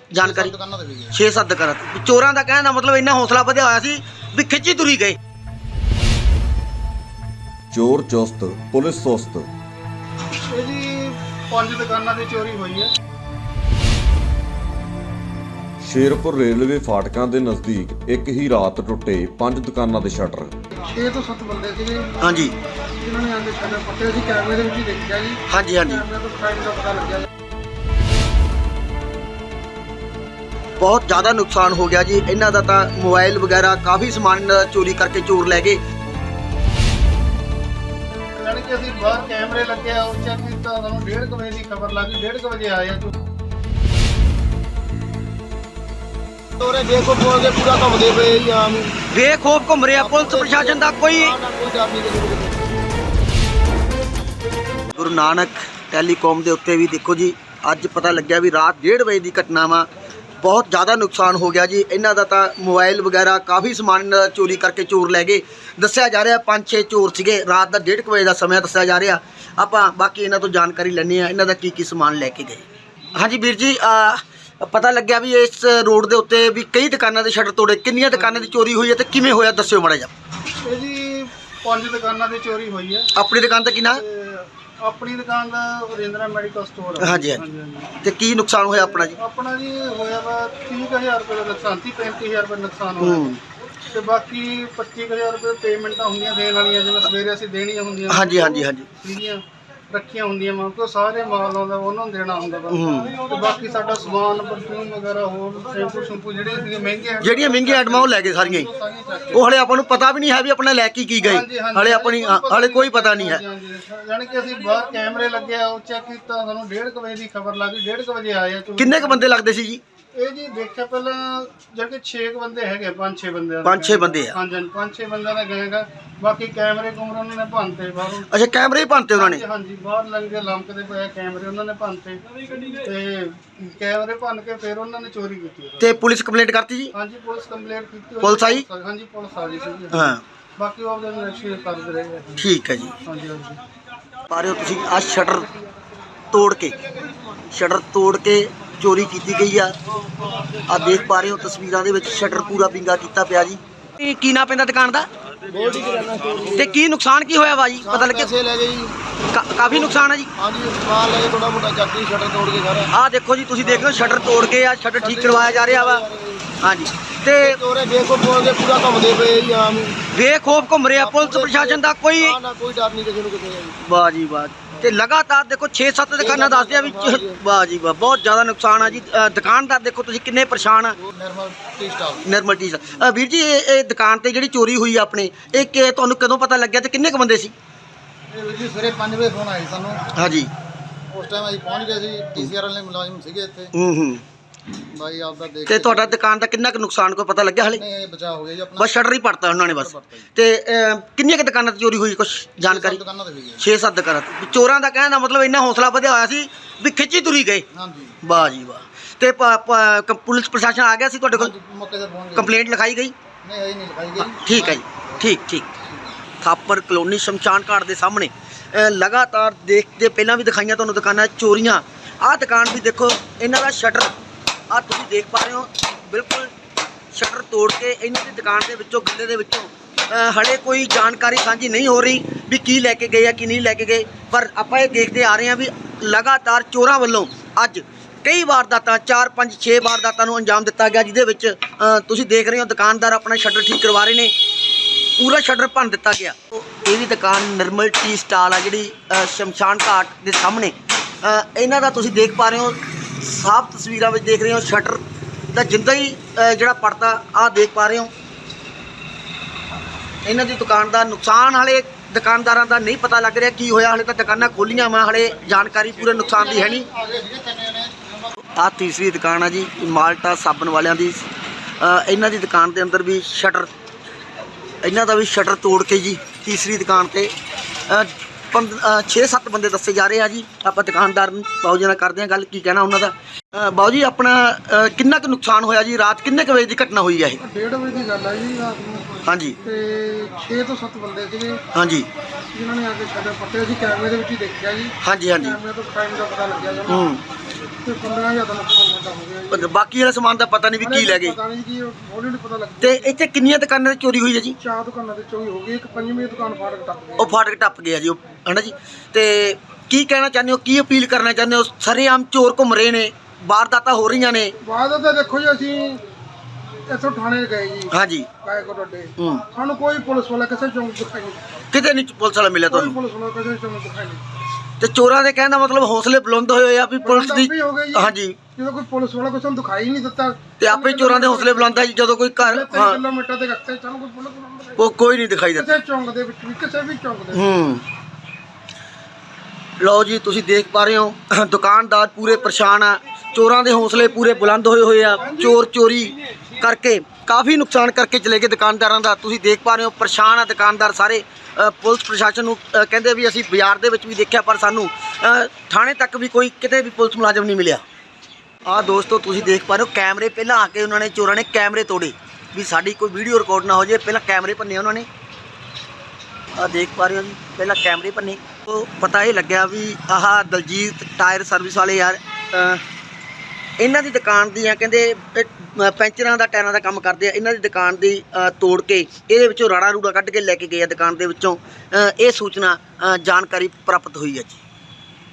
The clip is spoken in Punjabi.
जानकारी 6-7 दुकाना चोरां दा कहण दा मतलब इन्ना हौसला वधिया होया सी भी खिच्ची तुरी गए। चोर चुस्त पुलिस सुस्त। ਇਹ ਜੀ 5 ਦੁਕਾਨਾਂ ਦੀ ਚੋਰੀ ਹੋਈ ਹੈ। ਸ਼ੇਰਪੁਰ ਰੇਲਵੇ ਫਾਟਕਾਂ ਦੇ ਨਜ਼ਦੀਕ ਇੱਕ ਹੀ ਰਾਤ ਟੁੱਟੇ 5 ਦੁਕਾਨਾਂ ਦੇ ਸ਼ਟਰ। 6 ਤੋਂ 7 ਬੰਦੇ ਸੀਗੇ हाँ जी ਜਿਨ੍ਹਾਂ ਨੇ ਆਂਦੇ ਸ਼ਟਰ ਪੱਟੇ ਸੀ। ਕੈਮਰੇ ਦੇ ਵਿੱਚ ਹੀ ਦੇਖਿਆ ਜੀ। हाँ जी हाँ जी ਕੈਮਰੇ ਤੋਂ ਕ੍ਰਾਈਮ ਦਾ ਪਤਾ ਲੱਗਿਆ। बहुत ज़्यादा नुकसान हो गया जी इन्हां दा। तां मोबाइल वगैरह काफ़ी समान इन्हां दा चोरी करके चोर लै गए। ਜਾਣੀ ਕਿ ਅਸੀਂ ਬਾਹਰ ਕੈਮਰੇ ਲੱਗੇ ਆ ਉਹ ਚੈੱਕ ਕੀਤਾ, ਸਾਨੂੰ 1:30 ਵਜੇ ਦੀ ਖਬਰ ਲੱਗੀ। 1:30 ਵਜੇ ਆਏ ਆ ਤੋਰੇ ਦੇਖੋ ਬੋਲ ਕੇ ਪੂਰਾ ਘੁੰਮਦੇ ਪਏ ਜੀ ਆਮ ਬੇਖੌਫ ਘੁੰਮ ਰਿਹਾ ਪੁਲਿਸ ਪ੍ਰਸ਼ਾਸਨ ਦਾ ਕੋਈ। ਗੁਰੂ ਨਾਨਕ ਟੈਲੀਕਾਮ ਦੇ ਉੱਤੇ ਵੀ ਦੇਖੋ ਜੀ ਅੱਜ ਪਤਾ ਲੱਗਿਆ ਵੀ ਰਾਤ 1:30 ਵਜੇ ਦੀ ਘਟਨਾ ਵਾ। ਬਹੁਤ ਜ਼ਿਆਦਾ ਨੁਕਸਾਨ ਹੋ ਗਿਆ ਜੀ ਇਹਨਾਂ ਦਾ। ਤਾਂ ਮੋਬਾਈਲ ਵਗੈਰਾ ਕਾਫੀ ਸਮਾਨ ਇਹਨਾਂ ਦਾ ਚੋਰੀ ਕਰਕੇ ਚੋਰ ਲੈ ਗਏ। ਦੱਸਿਆ ਜਾ ਰਿਹਾ 5-6 ਚੋਰ ਸੀਗੇ। ਰਾਤ ਦਾ 1:30 ਵਜੇ ਦਾ ਸਮਾਂ ਦੱਸਿਆ ਜਾ ਰਿਹਾ। ਆਪਾਂ ਬਾਕੀ ਇਹਨਾਂ ਤੋਂ ਜਾਣਕਾਰੀ ਲੈਂਦੇ ਆ ਇਹਨਾਂ ਦਾ ਕੀ ਸਮਾਨ ਲੈ ਕੇ ਗਏ। ਹਾਂਜੀ ਵੀਰ ਜੀ ਪਤਾ ਲੱਗਿਆ ਵੀ ਇਸ ਰੋਡ ਦੇ ਉੱਤੇ ਵੀ ਕਈ ਦੁਕਾਨਾਂ ਦੇ ਸ਼ਟਰ ਤੋੜੇ। ਕਿੰਨੀਆਂ ਦੁਕਾਨਾਂ ਦੀ ਚੋਰੀ ਹੋਈ ਹੈ ਤੇ ਕਿਵੇਂ ਹੋਇਆ ਦੱਸਿਓ ਮਾੜਾ ਜਿਹਾ। ਇਹ ਜੀ 5 ਦੁਕਾਨਾਂ ਦੀ ਚੋਰੀ ਹੋਈ ਹੈ। ਆਪਣੀ ਦੁਕਾਨ ਤੇ ਕਿੰਨਾ? ਆਪਣੀ ਦੁਕਾਨ ਦਾ ਵਰਿੰਦਰਾ ਮੈਡੀਕਲ ਸਟੋਰ। ਹਾਂਜੀ ਤੇ ਕੀ ਨੁਕਸਾਨ ਹੋਇਆ ਆਪਣਾ ਜੀ? ਆਪਣਾ ਜੀ ਹੋਇਆ ਵਾ 30,000 ਰੁਪਏ ਦਾ ਨੁਕਸਾਨ। 35,000 ਰੁਪਏ ਨੁਕਸਾਨ ਹੋਇਆ ਤੇ ਬਾਕੀ 25,000 ਰੁਪਏ ਪੇਮੈਂਟਾਂ ਹੁੰਦੀਆਂ ਦੇਣ ਵਾਲੀਆਂ ਜਿਵੇਂ ਸਵੇਰੇ ਅਸੀਂ ਦੇਣੀਆਂ ਹੁੰਦੀਆਂ। ਹਾਂਜੀ ਹਾਂਜੀ ਹਾਂਜੀ ਸੀਗੀਆਂ ਰੱਖੀਆਂ ਹੁੰਦੀਆਂ ਵਾ ਕਿਉਂ ਸਾਰੇ ਮਾਲ ਆਉਂਦਾ ਉਹਨਾਂ ਨੂੰ ਦੇਣਾ ਹੁੰਦਾ ਵਾ। ਤੇ ਬਾਕੀ ਸਾਡਾ ਸਮਾਨ ਪਰਫਿਊਮ ਵਗੈਰਾ ਹੋਰ ਸ਼ੈਂਪੂ ਜਿਹੜੀਆਂ ਮਹਿੰਗੀਆਂ ਆਈਟਮਾਂ ਉਹ ਲੈ ਗਏ ਸਾਰੀਆਂ ਹੀ। ਉਹ ਹਲੇ ਆਪਾਂ ਨੂੰ ਪਤਾ ਵੀ ਨਹੀਂ ਹੈ ਵੀ ਆਪਣਾ ਲੈ ਕੇ ਗਏ। ਹਲੇ ਆਪਣੀ ਹਲੇ ਕੋਈ ਪਤਾ ਨਹੀਂ ਹੈ। ਜਾਣੀ ਕਿ ਅਸੀਂ ਬਾਹਰ ਕੈਮਰੇ ਲੱਗੇ ਆ ਉਹ ਚੈੱਕ ਕੀਤਾ, ਸਾਨੂੰ 1:30 ਵਜੇ ਦੀ ਖਬਰ ਲੱਗੀ। 1:30 ਵਜੇ ਆਏ ਆ। ਕਿੰਨੇ ਕ ਬੰਦੇ ਲੱਗਦੇ ਸੀ ਜੀ? ਇਹ ਜੀ ਦੇਖਿਆ ਪਹਿਲਾਂ ਜਾਣੀ ਕਿ 6 ਬੰਦੇ ਹੈਗੇ। 5-6 ਬੰਦੇ 5-6 ਬੰਦੇ ਆ। ਹਾਂਜੀ 5-6 ਬੰਦਿਆਂ ਦਾ ਗਏਗਾ। ਬਾਕੀ ਕੈਮਰੇ ਕੁਮਰੇ ਉਹਨਾਂ ਨੇ ਭੰਨਤੇ ਬਾਹਰੋਂ। ਅੱਛਾ ਕੈਮਰੇ ਹੀ ਭੰਨਤੇ ਉਹਨਾਂ ਨੇ? ਹਾਂਜੀ ਬਾਹਰ ਲੰਗੇ ਲੰਕਦੇ ਪਏ ਕੈਮਰੇ ਉਹਨਾਂ ਨੇ ਭੰਨਤੇ ਤੇ ਕੈਮਰੇ ਭੰਨ ਕੇ ਫਿਰ ਉਹਨਾਂ ਨੇ ਚੋਰੀ ਕੀਤੀ। ਤੇ ਪੁਲਿਸ ਕੰਪਲੇਂਟ ਕਰਤੀ ਜੀ? ਹਾਂਜੀ ਪੁਲਿਸ ਕੰਪਲੇਂਟ ਕੀਤੀ। ਪੁਲਿਸ ਆਈ? ਹਾਂਜੀ ਪੁਲਿਸ ਆ ਗਈ ਸੀ। ਹਾਂ ਬਾਕੀ ਉਹ ਉਹਦੇ ਨਸ਼ੇ ਕਰਦੇ ਰਹੇ। ਠੀਕ ਹੈ ਜੀ। ਹਾਂਜੀ ਹਾਂਜੀ ਪਾ ਰਹੇ ਹੋ ਤੁਸੀਂ ਆ ਸ਼ਟਰ ਤੋੜ ਕੇ ਚੋਰੀ ਕੀਤੀ ਗਈ ਆ। ਆ ਦੇਖ ਪਾ ਰਹੇ ਹੋ ਤਸਵੀਰਾਂ ਦੇ ਵਿੱਚ ਸ਼ਟਰ ਪੂਰਾ ਵਿੰਗਾ ਕੀਤਾ ਪਿਆ ਜੀ। ਇਹ ਕੀ ਨਾਂ ਪੈਂਦਾ ਦੁਕਾਨ ਦਾ ਤੇ ਕੀ ਨੁਕਸਾਨ ਕੀ ਹੋਇਆ ਵਾ ਜੀ? ਪਤਾ ਲੱਗਿਆ ਪੈਸੇ ਲੈ ਗਏ ਜੀ। ਕਾਫੀ ਨੁਕਸਾਨ ਹੈ ਜੀ। ਹਾਂਜੀ ਸਮਾਨ ਲੈ ਕੇ ਥੋੜਾ ਮੋਟਾ ਚੱਕੀ ਸ਼ਟਰ ਤੋੜ ਕੇ ਸਾਰਾ। ਆਹ ਦੇਖੋ ਜੀ ਤੁਸੀਂ ਦੇਖ ਲਓ ਸ਼ਟਰ ਤੋੜ ਕੇ ਆ ਸ਼ਟਰ ਠੀਕ ਕਰਵਾਇਆ ਜਾ ਰਿਹਾ ਵਾ। ਹਾਂਜੀ ਤੇ ਤੋਰੇ ਦੇਖੋ ਬੋਲ ਕੇ ਪੂਰਾ ਘੁੰਮਦੇ ਪਏ ਜੀ ਆਮ ਬੇਖੌਫ ਘੁੰਮ ਰਿਹਾ ਪੁਲਿਸ ਪ੍ਰਸ਼ਾਸਨ ਦਾ ਕੋਈ। ਕੋਈ ਡਰ ਨਹੀਂ ਕਿਸੇ ਨੂੰ ਕਿਤੇ। ਵਾਹ ਜੀ ਵਾਹ। ਤੇ ਲਗਾਤਾਰ ਦੇਖੋ 6-7 ਦੁਕਾਨਾਂ ਦੱਸਦੇ ਆ ਵੀ ਵਾਹ ਜੀ ਵਾਹ ਬਹੁਤ ਜ਼ਿਆਦਾ ਨੁਕਸਾਨ ਆ ਜੀ। ਦੁਕਾਨਦਾਰ ਦੇਖੋ ਤੁਸੀਂ ਕਿੰਨੇ ਪਰੇਸ਼ਾਨ ਆ। ਨਿਰਮਲ ਟੀ ਵੀਰ ਜੀ ਇਹ ਦੁਕਾਨ ਤੇ ਜਿਹੜੀ ਚੋਰੀ ਹੋਈ ਆਪਣੇ ਇਹ ਤੁਹਾਨੂੰ ਕਦੋਂ ਪਤਾ ਲੱਗਿਆ ਤੇ ਕਿੰਨੇ ਕ ਬੰਦੇ ਸੀ? ਇਹ ਵੀਰ ਜੀ ਸਵੇਰੇ 5 ਵਜੇ ਫੋਨ ਆਇਆ ਸਾਨੂੰ। ਹਾਂਜੀ ਉਸ ਟਾਈਮ ਅਸੀਂ ਪਹੁੰਚ ਗਏ ਸੀ। TCR ਵਾਲੇ ਮੁਲਾਜ਼ਮ ਸੀਗੇ ਇੱਥੇ। ਬਾਈ ਆਪਦਾ ਦੇਖ ਤੇ ਤੁਹਾਡਾ ਦੁਕਾਨ ਦਾ ਕਿੰਨਾ ਕੁ ਨੁਕਸਾਨ ਕੋਈ ਪਤਾ ਲੱਗਿਆ ਹਲੇ? ਨਹੀਂ ਬਚਾ ਹੋ ਗਿਆ ਜੀ ਆਪਣਾ। ਬਸ ਸ਼ਟਰ ਹੀ ਪੜਤਾ ਉਹਨਾਂ ਨੇ ਬਸ। ਤੇ ਕਿੰਨੀਆਂ ਕੁ ਦੁਕਾਨਾਂ ਤੇ ਚੋਰੀ ਹੋਈ ਕੁਛ ਜਾਣਕਾਰੀ? 6-7 ਦੁਕਾਨਾਂ ਤੇ। ਚੋਰਾਂ ਦਾ ਕਹਿਣ ਦਾ ਮਤਲਬ ਇੰਨਾ ਹੌਸਲਾ ਵਧਿਆ ਹੋਇਆ ਸੀ ਵੀ ਖਿੱਚੀ ਤੁਰੀ ਗਏ। ਹਾਂਜੀ ਵਾਹ ਜੀ ਵਾਹ। ਤੇ ਪੁਲਿਸ ਪ੍ਰਸ਼ਾਸਨ ਆ ਗਿਆ ਸੀ ਤੁਹਾਡੇ ਕੋਲ? ਮੌਕੇ ਤੇ ਪਹੁੰਚ ਗਏ। ਕੰਪਲੇਂਟ ਲਿਖਾਈ ਗਈ? ਨਹੀਂ ਅਜੇ ਨਹੀਂ ਲਿਖਾਈ ਗਈ। ਠੀਕ ਹੈ ਜੀ ਠੀਕ। ਥਾਪਰ ਕਲੋਨੀ ਸ਼ਮਸ਼ਾਨ ਘਾਟ ਦੇ ਸਾਹਮਣੇ ਲਗਾਤਾਰ ਦੇਖਦੇ ਪਹਿਲਾਂ ਵੀ ਦਿਖਾਈਆਂ ਤੁਹਾਨੂੰ ਦੁਕਾਨਾਂ ਚੋਰੀਆਂ। ਆਹ ਦੁਕਾਨ ਵੀ ਦੇਖੋ ਇਹਨਾਂ ਦਾ ਸ਼ਟਰ ਆਹ ਤੁਸੀਂ ਦੇਖ ਪਾ ਰਹੇ ਹੋ ਬਿਲਕੁਲ ਸ਼ਟਰ ਤੋੜ ਕੇ ਇਹਨਾਂ ਦੀ ਦੁਕਾਨ ਦੇ ਵਿੱਚੋਂ ਗੱਲੇ ਦੇ ਵਿੱਚੋਂ ਹਲੇ ਕੋਈ ਜਾਣਕਾਰੀ ਸਾਂਝੀ ਨਹੀਂ ਹੋ ਰਹੀ ਵੀ ਕੀ ਲੈ ਕੇ ਗਏ ਆ ਕੀ ਨਹੀਂ ਲੈ ਕੇ ਗਏ। ਪਰ ਆਪਾਂ ਇਹ ਦੇਖਦੇ ਆ ਰਹੇ ਹਾਂ ਵੀ ਲਗਾਤਾਰ ਚੋਰਾਂ ਵੱਲੋਂ ਅੱਜ ਕਈ ਵਾਰਦਾਤਾਂ 4-5-6 ਵਾਰਦਾਤਾਂ ਨੂੰ ਅੰਜਾਮ ਦਿੱਤਾ ਗਿਆ ਜਿਹਦੇ ਵਿੱਚ ਤੁਸੀਂ ਦੇਖ ਰਹੇ ਹੋ ਦੁਕਾਨਦਾਰ ਆਪਣਾ ਸ਼ਟਰ ਠੀਕ ਕਰਵਾ ਰਹੇ ਨੇ। ਪੂਰਾ ਸ਼ਟਰ ਭੰਨ ਦਿੱਤਾ ਗਿਆ। ਇਹ ਵੀ ਦੁਕਾਨ ਨਿਰਮਲ ਟੀ ਸਟਾਲ ਆ ਜਿਹੜੀ ਸ਼ਮਸ਼ਾਨ ਘਾਟ ਦੇ ਸਾਹਮਣੇ। ਇਹਨਾਂ ਦਾ ਤੁਸੀਂ ਦੇਖ ਪਾ ਰਹੇ ਹੋ ਸਾਫ਼ ਤਸਵੀਰਾਂ ਵਿੱਚ ਦੇਖ ਰਹੇ ਹੋ ਸ਼ਟਰ ਦਾ ਜਿੰਦਾ ਹੀ ਜਿਹੜਾ ਪੜਤਾ ਆਹ ਦੇਖ ਪਾ ਰਹੇ ਹੋ। ਇਹਨਾਂ ਦੀ ਦੁਕਾਨ ਦਾ ਨੁਕਸਾਨ ਹਾਲੇ ਦੁਕਾਨਦਾਰਾਂ ਦਾ ਨਹੀਂ ਪਤਾ ਲੱਗ ਰਿਹਾ ਕੀ ਹੋਇਆ। ਹਾਲੇ ਤਾਂ ਦੁਕਾਨਾਂ ਖੋਲੀਆਂ ਵਾ ਹਾਲੇ ਜਾਣਕਾਰੀ ਪੂਰੇ ਨੁਕਸਾਨ ਦੀ ਹੈ ਨਹੀਂ। ਆਹ ਤੀਸਰੀ ਦੁਕਾਨ ਆ ਜੀ ਮਾਲਟਾ ਸਾਬਣ ਵਾਲਿਆਂ ਦੀ। ਇਹਨਾਂ ਦੀ ਦੁਕਾਨ ਦੇ ਅੰਦਰ ਵੀ ਸ਼ਟਰ ਇਹਨਾਂ ਦਾ ਵੀ ਸ਼ਟਰ ਤੋੜ ਕੇ ਜੀ ਤੀਸਰੀ ਦੁਕਾਨ ਤੇ 6-7 ਬੰਦੇ ਦੱਸੇ ਜਾ ਰਹੇ ਆ ਜੀ। ਆਪਾਂ ਦੁਕਾਨਦਾਰ ਨੂੰ ਬਾਊ ਜੀ ਨਾਲ ਕਰਦੇ ਹਾਂ ਗੱਲ ਕੀ ਕਹਿਣਾ ਉਹਨਾਂ ਦਾ। ਬਾਊ ਜੀ ਆਪਣਾ ਕਿੰਨਾ ਕੁ ਨੁਕਸਾਨ ਹੋਇਆ ਜੀ? ਰਾਤ ਕਿੰਨੇ ਕੁ ਵਜੇ ਦੀ ਘਟਨਾ ਹੋਈ ਹੈ ਇਹ? 1:30 ਵਜੇ ਦੀ ਗੱਲ ਹੈ ਜੀ ਰਾਤ ਨੂੰ। ਹਾਂਜੀ ਤੇ 6 ਤੋਂ 7 ਬੰਦੇ ਸੀਗੇ ਹਾਂਜੀ ਜਿਨ੍ਹਾਂ ਨੇ ਆ ਕੇ ਸ਼ਟਰ ਪੱਟੇ ਸੀ। ਕੈਮਰੇ ਦੇ ਵਿੱਚ ਹੀ ਦੇਖਿਆ ਜੀ। ਹਾਂਜੀ ਕੈਮਰੇ ਤੋਂ ਕ੍ਰਾਈਮ ਦਾ ਪਤਾ ਲੱਗਿਆ ਜੀ। ਤੇ 15,000 ਦਾ ਨੁਕਸਾਨ ਸਾਡਾ ਹੋ ਗਿਆ ਜੀ। ਪਰ ਬਾਕੀ ਵਾਲਾ ਸਮਾਨ ਦਾ ਪਤਾ ਨਹੀਂ ਵੀ ਕੀ ਲੈ ਗਏ। ਪਤਾ ਨਹੀਂ ਜੀ, ਹੌਲੀ ਨਹੀਂ ਪਤਾ ਲੱਗਦਾ। ਤੇ ਇੱਥੇ ਕਿੰਨੀਆਂ ਦੁਕਾਨਾਂ ਤੇ ਚੋਰੀ ਹੋਈ ਹੈ ਜੀ? 4 ਦੁਕਾਨਾਂ ਤੇ ਚੋਰੀ ਹੋ ਗਈ, ਇੱਕ 5ਵੀਂ ਦੁਕਾਨ ਫਾਟਕ ਟੱਪ ਗਈ। ਉਹ ਫਾਟਕ ਟੱਪ ਗਿਆ ਜੀ, ਉਹ ਹਨਾ ਜੀ। ਤੇ ਕੀ ਕਹਿਣਾ ਚਾਹੁੰਦੇ ਹੋ, ਕੀ ਅਪੀਲ ਕਰਨਾ ਚਾਹੁੰਦੇ ਹੋ? ਸਰੇਆਮ ਚੋਰ ਘੁੰਮ ਰਹੇ ਨੇ, ਵਾਰਦਾਤਾਂ ਹੋ ਰਹੀਆਂ ਨੇ। ਬਾਅਦ ਤਾਂ ਦੇਖੋ ਜੀ, ਅਸੀਂ ਇੱਥੋਂ ਥਾਣੇ ਗਏ ਜੀ, ਹਾਂਜੀ। ਕਾਇ ਕੋ ਡੱਡੇ, ਹੂੰ। ਸਾਨੂੰ ਕੋਈ ਪੁਲਿਸ ਵਾਲਾ ਕਿਸੇ ਚੌਂਕ ਦਿਖਾਈ ਨਹੀਂ ਦਿੱਤਾ। ਕਿਤੇ ਨਹੀਂ ਪੁਲਿਸ ਵਾਲਾ ਮਿਲਿਆ ਕੋਈ ਤੁਹਾਨੂੰ? ਪੁਲਿਸ ਵਾਲਾ ਕਿਸੇ ਚੌਂਕ ਦਿਖਾਈ ਨਹੀਂ ਦਿੱਤਾ। ਤੇ ਚੋਰਾਂ ਦੇ ਕਹਿਣ ਦਾ ਮਤਲਬ ਹੌਸਲੇ ਬੁਲੰਦ ਹੋਏ ਹੋਏ ਆ ਵੀ ਪੁਲਿਸ ਦੀ। ਵੀ ਹੋ ਗਈ ਜੀ। ਹਾਂਜੀ। ਜਦੋਂ ਕੋਈ ਪੁਲਿਸ ਵਾਲਾ ਕੋਈ ਸਾਨੂੰ ਦਿਖਾਈ ਨਹੀਂ ਦਿੱਤਾ ਤੇ ਆਪੇ ਚੋਰਾਂ ਦੇ ਹੌਸਲੇ ਬੁਲੰਦ ਆ ਜੀ, ਜਦੋਂ ਕੋਈ ਘਰ 3 ਕਿਲੋਮੀਟਰ ਦੇ ਰਸਤੇ ਸਾਨੂੰ ਕੋਈ ਪੁਲਿਸ ਵਾਲਾ ਨਹੀਂ ਉਹ ਕੋਈ ਨਹੀਂ ਦਿਖਾਈ ਦਿੰਦਾ। ਕਿਸੇ ਚੌਂਕ ਦੇ ਵਿੱਚ ਵੀ, ਕਿਸੇ ਵੀ ਚੌਂਕ ਦੇ ਵਿੱਚ। ਹੂੰ। ਲਓ ਜੀ, ਤੁਸੀਂ ਦੇਖ ਪਾ ਰਹੇ ਹੋ ਦੁਕਾਨਦਾਰ ਪੂਰੇ ਪਰੇਸ਼ਾਨ ਆ, ਚੋਰਾਂ ਦੇ ਹੌਸਲੇ ਪੂਰੇ ਬੁਲੰਦ ਹੋਏ ਹੋਏ ਆ। ਚੋਰ ਚੋਰੀ ਕਰਕੇ ਕਾਫੀ ਨੁਕਸਾਨ ਕਰਕੇ ਚਲੇ ਗਏ ਦੁਕਾਨਦਾਰਾਂ ਦਾ। ਤੁਸੀਂ ਦੇਖ ਪਾ ਰਹੇ ਹੋ ਪਰੇਸ਼ਾਨ ਆ ਦੁਕਾਨਦਾਰ ਸਾਰੇ। ਪੁਲਿਸ ਪ੍ਰਸ਼ਾਸਨ ਨੂੰ ਕਹਿੰਦੇ ਵੀ ਅਸੀਂ ਬਾਜ਼ਾਰ ਦੇ ਵਿੱਚ ਵੀ ਦੇਖਿਆ, ਪਰ ਸਾਨੂੰ ਥਾਣੇ ਤੱਕ ਵੀ ਕੋਈ ਕਿਤੇ ਵੀ ਪੁਲਿਸ ਮੁਲਾਜ਼ਮ ਨਹੀਂ ਮਿਲਿਆ। ਆਹ ਦੋਸਤੋ ਤੁਸੀਂ ਦੇਖ ਪਾ ਰਹੇ ਹੋ ਕੈਮਰੇ, ਪਹਿਲਾਂ ਆ ਕੇ ਉਹਨਾਂ ਨੇ ਚੋਰਾਂ ਨੇ ਕੈਮਰੇ ਤੋੜੇ ਵੀ ਸਾਡੀ ਕੋਈ ਵੀਡੀਓ ਰਿਕਾਰਡ ਨਾ ਹੋ ਜਾਏ। ਪਹਿਲਾਂ ਕੈਮਰੇ ਭੰਨੇ ਉਹਨਾਂ ਨੇ। ਆਹ ਦੇਖ ਪਾ ਰਹੇ ਹੋ ਜੀ, ਪਹਿਲਾਂ ਕੈਮਰੇ ਭੰਨੇ। ਉਹ ਪਤਾ ਇਹ ਲੱਗਿਆ ਵੀ ਆਹ ਦਲਜੀਤ ਟਾਇਰ ਸਰਵਿਸ ਵਾਲੇ ਯਾਰ, ਇਹਨਾਂ ਦੀ ਦੁਕਾਨ ਦੀ ਆ, ਕਹਿੰਦੇ ਪੈਂਚਰਾਂ ਦਾ ਟਾਇਰਾਂ ਦਾ ਕੰਮ ਕਰਦੇ ਆ। ਇਹਨਾਂ ਦੀ ਦੁਕਾਨ ਦੀ ਤੋੜ ਕੇ ਇਹਦੇ ਵਿੱਚੋਂ ਰਾੜਾ ਰੂੜਾ ਕੱਢ ਕੇ ਲੈ ਕੇ ਗਏ ਆ ਦੁਕਾਨ ਦੇ ਵਿੱਚੋਂ। ਇਹ ਸੂਚਨਾ ਜਾਣਕਾਰੀ ਪ੍ਰਾਪਤ ਹੋਈ ਹੈ ਜੀ।